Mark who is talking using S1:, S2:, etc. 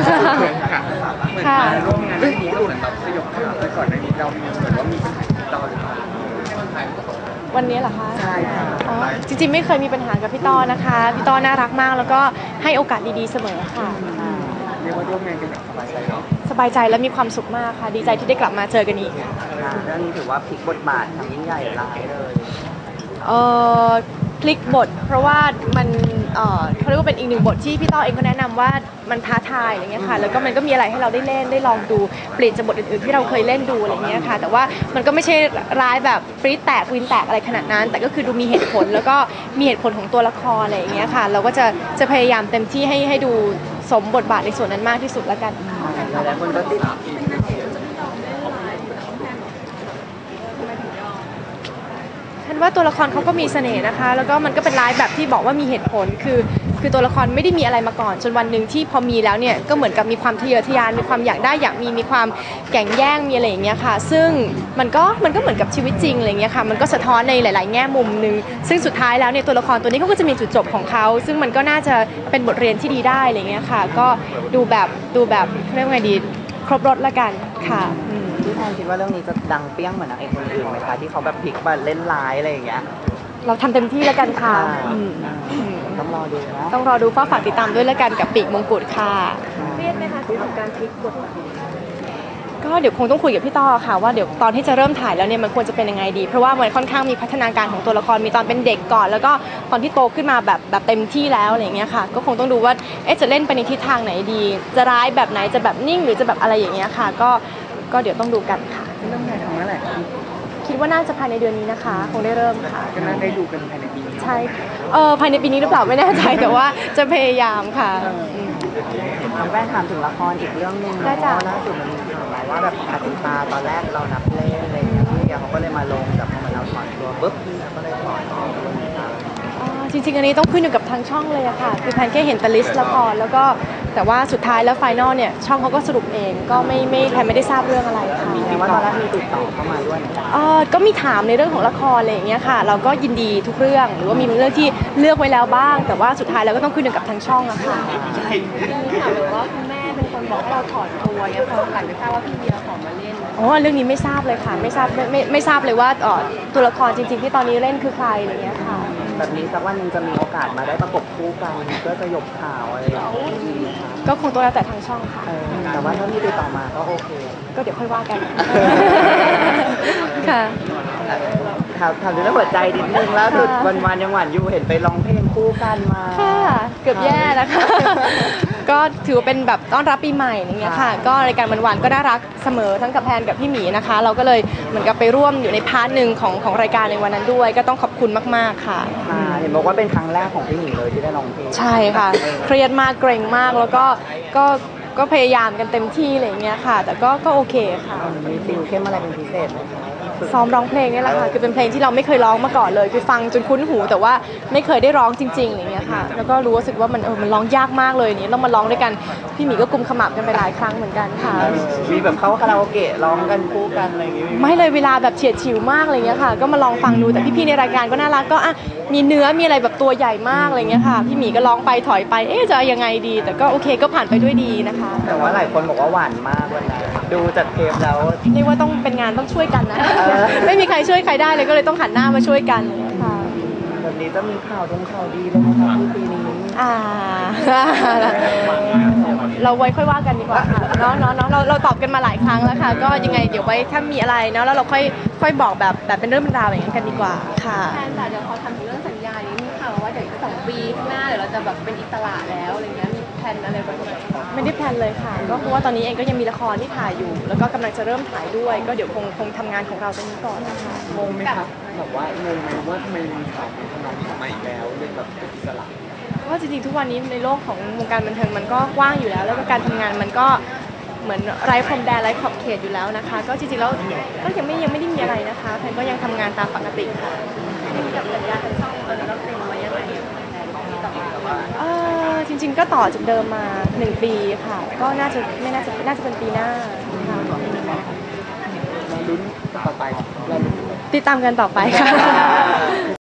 S1: ค่ะ
S2: ร่วมงานเรื่องนี้ก็เหมือนแบบสยบข่าวไปก่อนในนี้เรามีเหมือนว่ามีปัญหาติดต่อหรือเปล่า
S1: วันนี้เหรอคะ
S2: ใช่ค่ะ
S1: อ๋อจริงๆไม่เคยมีปัญหากับพี่ต้อนะคะพี่ต้อน่ารักมากแล้วก็ให้โอกาสดีๆเสมอค่ะ
S2: เรียกว่าร่วมงานกันแบบสบายใจเนาะ
S1: สบายใจและมีความสุขมากค่ะดีใจที่ได้กลับมาเจอกันอีกค่ะ
S3: เรื่องนี้ถือว่าพลิกบทบาททำยิ่งใหญ่หลายเลย
S1: เอ่อพลิกบทเพราะว่ามันเขาเรียกว่าเป็นอีกหนึ่งบทที่พี่ต้อเองก็แนะนำว่ามันท้าทายอะไรเงี้ยค่ะแล้วก็มันก็มีอะไรให้เราได้เล่นได้ลองดูเปลี่ยนจากบทอื่นๆที่เราเคยเล่นดูอะไรเงี้ยค่ะแต่ว่ามันก็ไม่ใช่ร้ายแบบฟรีดแตกวินแตกอะไรขนาดนั้นแต่ก็คือดูมีเหตุผลแล้วก็มีเหตุผลของตัวละครอะไรอย่างเงี้ยค่ะเราก็จะพยายามเต็มที่ให้ดูสมบทบาทในส่วนนั้นมากที่สุดแล้วกัน
S3: หลายคนก็ติด
S1: ฉันว่าตัวละครเขาก็มีเสน่ห์นะคะแล้วก็มันก็เป็นร้ายแบบที่บอกว่ามีเหตุผลคือตัวละครไม่ได้มีอะไรมาก่อนจนวันหนึ่งที่พอมีแล้วเนี่ยก็เหมือนกับมีความทะเยอทะยานมีความอยากได้อยากมีความแข่งแย่งมีอะไรอย่างเงี้ยค่ะซึ่งมันก็เหมือนกับชีวิตจริงอะไรเงี้ยค่ะมันก็สะท้อนในหลายๆแง่มุมนึงซึ่งสุดท้ายแล้วเนี่ยตัวละครตัวนี้เขาก็จะมีจุดจบของเขาซึ่งมันก็น่าจะเป็นบทเรียนที่ดีได้อะไรเงี้ยค่ะก็ดูแบบเรียกว่าไงดีครบรสละกันค่ะ
S3: พี่แพนคิดว่าเรื่องนี้จะดังเปี้ยงเหมือนนางเอกคนอื่นไหมคะที่เขาแบบพลิกมาเล่นร้ายอะไรอย่างเงี้ย
S1: เราทำเต็มที่แล้วกันค่ะ
S3: ต้องรอดูนะ
S1: ต้องรอดูฝากติดตามด้วยแล้วกันกับปีกมงกุฎค่ะเครียดไหมคะที่ทำการพลิกบทก็เดี๋ยวคงต้องคุยกับพี่ต้อค่ะว่าเดี๋ยวตอนที่จะเริ่มถ่ายแล้วเนี่ยมันควรจะเป็นยังไงดีเพราะว่ามันค่อนข้างมีพัฒนาการของตัวละครมีตอนเป็นเด็กก่อนแล้วก็ตอนที่โตขึ้นมาแบบเต็มที่แล้วอะไรอย่างเงี้ยค่ะก็คงต้องดูว่าจะเล่นไปในทิศทางไหนดีจะร้ายแบบไหนจะแบบนิ่งหรือจะแบบอะไรอย่างเงี้ยค่ะก็เดี๋ยวต้องดูกันค่ะ
S2: เริ่มงานทำเมื่อไหร่
S1: คิดว่าน่าจะภายในเดือนนี้นะคะคงได้เริ่มค่ะ
S2: ก็น่าได้ดูกันภายในปีนี้
S1: ใช่ภายในปีนี้หรือเปล่าไม่แน่ใจแต่ว่าจะพยายามค่ะ
S3: แม่ถามถึงละครอีกเรื่องนึงเนาะล่าสุดมันมีข่าวมาว่าแบบอาติตาตอนแรกเรานับเล่นอะไรอย่างเงี้ยพี่เขาก็เลยมาลงแต่พอเราถอนตัวปุ๊บพี่ก็เลยถอน
S1: จริงๆอันนี้ต้องขึ้นอยู่กับทางช่องเลยอะค่ะคือแพนแค่เห็นแต่ลิสต์ละครแล้วก็แต่ว่าสุดท้ายแล้วไฟนอลเนี่ยช่องเขาก็สรุปเองก็แพนไม่ได้ทราบเรื่องอะไรค่ะ
S3: แต่ว่าตอนแรกมีติดต่อเข้ามาด้วย
S1: ก็มีถามในเรื่องของละครอะไรอย่างเงี้ยค่ะเราก็ยินดีทุกเรื่องหรือว่ามีเรื่องที่เลือกไว้แล้วบ้างแต่ว่าสุดท้ายแล้วก็ต้องขึ้นอยู่กับทางช่องอะค่ะ
S4: ถามเลยว่าคุณแม่เป็นคนบอกให้เราถอดตัวเนี่ยพอหลังจากทราบว่าพี่เบียร์ขอมาเล่น
S1: เรื่องนี้ไม่ทราบเลยค่ะไม่ทราบเลยว่าตัวละครจริงๆที่ตอนนี้เล่นคือใครอะไรเงี้ยค่ะ
S3: แบบนี้สักวันนึงจะมีโอกาสมาได้ประกบคู่กันก็จะยกข่าวอะไรอย่างนี้
S1: ก็คงตัวแล้วแต่ทางช่องค่ะ
S3: แต่ว่าถ้าพี่ติดต่อมาก็โอเค
S1: ก็เดี๋ยวค่อยว่ากันค่ะ
S3: ถามถึงเรื่องหัวใจนิดนึงแล้วสุดวันยังหวานอยู่เห็นไปร้องเพลงคู่กันมา
S1: ค่ะเกือบแย่นะคะก็ถือว่าเป็นแบบต้อนรับปีใหม่อย่างเงี้ยค่ะก็รายการวันก็น่ารักเสมอทั้งกับแพนกับพี่หมีนะคะเราก็เลยเหมือนกับไปร่วมอยู่ในพาร์ทหนึ่งของรายการในวันนั้นด้วยก็ต้องขอบคุณมากๆค่ะ
S3: เห็นบอกว่าเป็นครั้งแรกของพี่หมีเลยที่ได้ร้องเพลง
S1: ใช่ค่ะเครียดมากเกรงมากแล้วก็พยายามกันเต็มที่อะไรอย่างเงี้ยค่ะแต่ก็โอเคค่ะ
S3: มีติวเข้มอะไรเป็นพิเศษไหมคะ
S1: ซ้อมร้องเพลงนี่แหละค่ะคือเป็นเพลงที่เราไม่เคยร้องมาก่อนเลยคือฟังจนคุ้นหูแต่ว่าไม่เคยได้ร้องจริงๆอย่างเงี้ยค่ะแล้วก็รู้สึกว่ามันร้องยากมากเลยนี่เรามาร้องด้วยกันพี่หมีก็กุมขมับกันไปหลายครั้งเหมือนกันค่ะ
S3: มีแบบเข้าคาราโอเกะร้องกันคู่กันอะไรอย่างเงี้ย
S1: ไม่เลยเวลาแบบเฉียดฉิวมากอะไรเงี้ยค่ะก็มาลองฟังดูแต่พี่ๆในรายการก็น่ารักก็มีเนื้อมีอะไรแบบตัวใหญ่มากอะไรเงี้ยค่ะพี่หมีก็ร้องไปถอยไปจะยังไงดีแต่ก็โอเคก็ผ่านไปด้วยดีนะคะ
S3: แต่ว่าหลายคนบอกว่าหวานมากวันนั้นดูจากเทปแล้ว
S1: เรียกว่าต้องเป็นงานต้องช่วยกันนะไม่มีใครช่วยใครได้เลยก็เลยต้องหันหน้ามาช่วยกันค่ะ
S3: แบบนี้จะมีข่าวดีเลยนะคะปีนี้
S1: เราไว้ค่อยว่ากันดีกว่าค่ะเนาะเราตอบกันมาหลายครั้งแล้วค่ะก็ยังไงเดี๋ยวไว้ถ้ามีอะไรเนาะแล้วเราค่อยบอกแบบเป็นเรื่องเป็นราวอย่างนั้นกันดีกว่าค่ะ
S4: แทนแต่เดี๋ยวเขาทำถึงเรื่องสัญญานี้มีข่าวว่าเดี๋ยว2 ปีข้างหน้าเดี๋ยวเราจะแบบเป็นอิสระแล้วอะไรเงี้ยมีแผนอะไรบ้างไหม
S1: ไม่ได้แพลนเลยค่ะก็เพราะว่าตอนนี้เองก็ยังมีละครที่ถ่ายอยู่แล้วก็กำลังจะเริ่มถ่ายด้วยก็เดี๋ยวคงทำงานของเราตรงนี้ก่อนนะคะ
S2: งงไหมครับแบบว่างงไหมว่าทำไมมีข่าวทำนองนี้ออกมาอีกแล้วเรื่องแบบเป็นอิสระ
S1: เพราะจริงๆทุกวันนี้ในโลกของวงการบันเทิงมันก็กว้างอยู่แล้วแล้วก็การทำงานมันก็เหมือนไร้พรมแดนไร้ขอบเขตอยู่แล้วนะคะก็จริงๆแล้วก็ยังไม่ได้มีอะไรนะคะแพนก็ยังทำงานตามปกติค่ะ
S4: กับสัญญาทางช่องเราเซ็นไว้ยังไงต่อมา
S1: จริงๆก็ต่อจากเดิมมา1 ปีค่ะก็น่าจะเป็นปีหน้าค่ะ
S2: ลุ้นต่อไป
S1: ติดตามกันต่อไปค่ะ